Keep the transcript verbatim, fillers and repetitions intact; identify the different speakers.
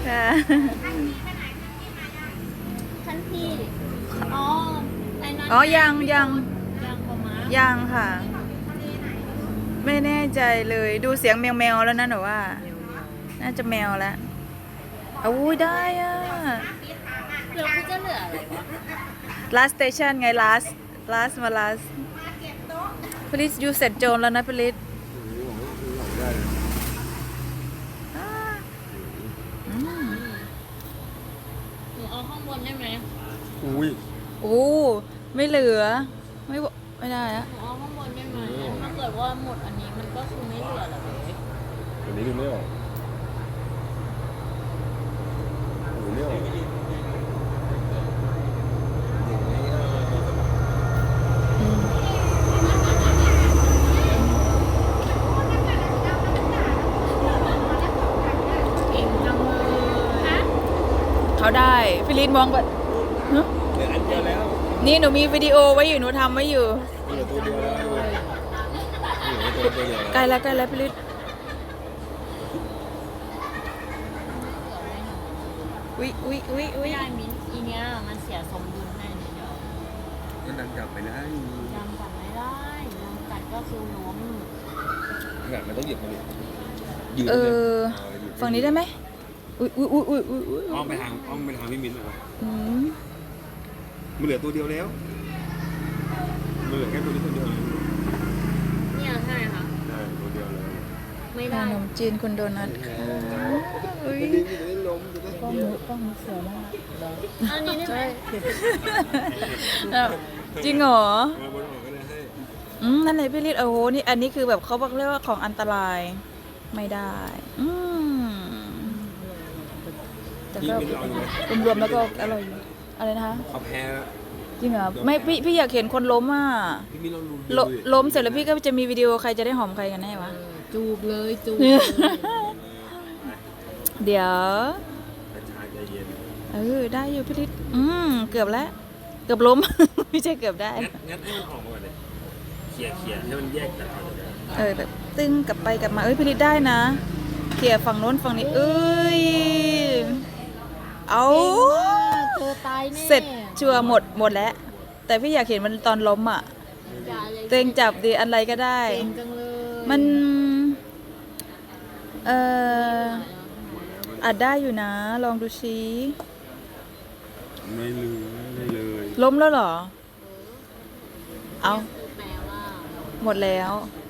Speaker 1: ค่ะ
Speaker 2: ท่านพี่อ๋อไอ้นั่น
Speaker 1: อ๋อยังยัง
Speaker 2: ยังประมาณ
Speaker 1: ยังค่ะ ไม่แน่ใจเลยดูเสียงแมวแมวแล้วนะหนูว่า น่าจะแมวแล้วอุ้ยได้อะ
Speaker 2: เราคือจะเหลืออะไรวะ
Speaker 1: last station ไง last last มา last พลิสยูเสร็จโจนแล้วนะพลิสอืม
Speaker 2: หนูเอาข้างบนได้ไหม
Speaker 3: อุ้ย
Speaker 1: โอ้ไม่เหลือ ไม่บไม่ได้อะ
Speaker 2: หนูเอาข้างบนได้ไหมถ้าเกิดว่าหมดอันนี้มันก็คือไม่เหลือแล้วเว้ย
Speaker 3: อันนี้ดูไม่ออกดูไม่ออก
Speaker 1: อืม
Speaker 2: เก่งจังเลยฮะ
Speaker 1: เขาได้ฟิลิสมองแบบฮะ
Speaker 3: เหลืออันเดียวแล้ว
Speaker 1: นี่หนูมีวิดีโอไว้อยู่หนูทำไว้อยู่
Speaker 3: เหลือตัวเดียวแล้วเหลือตัวเดียว
Speaker 1: ใกล้แล้วใกล้แล้วฟิลิสอุ๊ยอุ๊ยอุ๊ยอุ๊
Speaker 2: ไม่
Speaker 1: ย
Speaker 2: ได้มิ้นอีเนี้ยมันเสียสมดุลแน่นี่เดียว
Speaker 3: ก็ดันกลับไปได้
Speaker 2: ยังกัดไม่ได้ยังกัดก็คือล้ม
Speaker 3: ขนาดมันต้องหยิบมาดิยืน
Speaker 1: เออฝั่งนี้ได้ไหมอุ๊ยอุ๊ยอุ๊ยอุ๊ยอุ๊ยอุ๊ย
Speaker 3: อ้อมไปทางอ้อมไปทางพี่มิ้นนะครับ
Speaker 1: อืม
Speaker 3: มันเหลือตัวเดียวแล้วมันเหลือแค่ตัวนี้ตัวเดียว
Speaker 2: เนี่ยใช่ค่ะ
Speaker 3: ได้ตัวเดียวแล้ว
Speaker 2: ไม่
Speaker 1: ข
Speaker 2: ได้
Speaker 1: นมจีนคุณโดนัทค่ะอุ๊ย
Speaker 3: จะได้จะได้ล้มจะได้
Speaker 1: กล้องมือกล้องมือเสือมาก
Speaker 2: อันนี้ได้ไหม
Speaker 1: แล้วจริงเหรอ
Speaker 3: มาบนออกก็ได้ให้
Speaker 1: อืมนั่นเลยพี่ลิศโอ้โหนี่อันนี้คือแบบเขาบอกเรียกว่าของอันตรายไม่ได้ อืมแต่
Speaker 3: พี่
Speaker 1: ก็
Speaker 3: มิ้นลองดูไหม
Speaker 1: รวมๆแล้วก็อร่อยอยู่อะไรนะคะ
Speaker 3: เขาแพ้แล้ว
Speaker 1: จริงเหรอไม่พี่พี่อยากเห็นคนล้มอ่ะ
Speaker 3: พี่มิ้นลองดู
Speaker 1: ลล้มเสร็จแล้วพี่ก็จะมีวิดีโอใครจะได้หอมใครกันแน่วะ
Speaker 2: จูบเลยจูบ
Speaker 1: เดี๋ยว
Speaker 3: กระชายใจเย็น
Speaker 1: เออได้อยู่พี่ลิศอืมเกือบแล้ว เกือบล้ม ไม่ใช่เกือบได้
Speaker 3: งัดงัดให้มันออกมาก่อนเลยเขี่ยเขี่ยให้มันแยกจากกันเลย
Speaker 1: เออแบบตึงกลับไปกลับมาเอ้ยพี่ลิศได้นะเขี่ยฝั่งโน้นฝั่งนี้เอ้ยเอา
Speaker 2: เธอตายแน่
Speaker 1: เสร็จชัวร์หมดหมดแล้ว แต่พี่อยากเห็นมันตอนล้มอ่ะ
Speaker 2: อย่าเลย
Speaker 1: เตงจับดีอะไรก็ได้
Speaker 2: เก่งจังเลย
Speaker 1: มัน เอ่ออาจได้อยู่นะ ลองดูซิ
Speaker 3: ไม่ลืมไม่เลย
Speaker 1: ล้มแล้วเหรอ เอา
Speaker 2: แปลว่า
Speaker 1: หมดแล้ว
Speaker 2: เ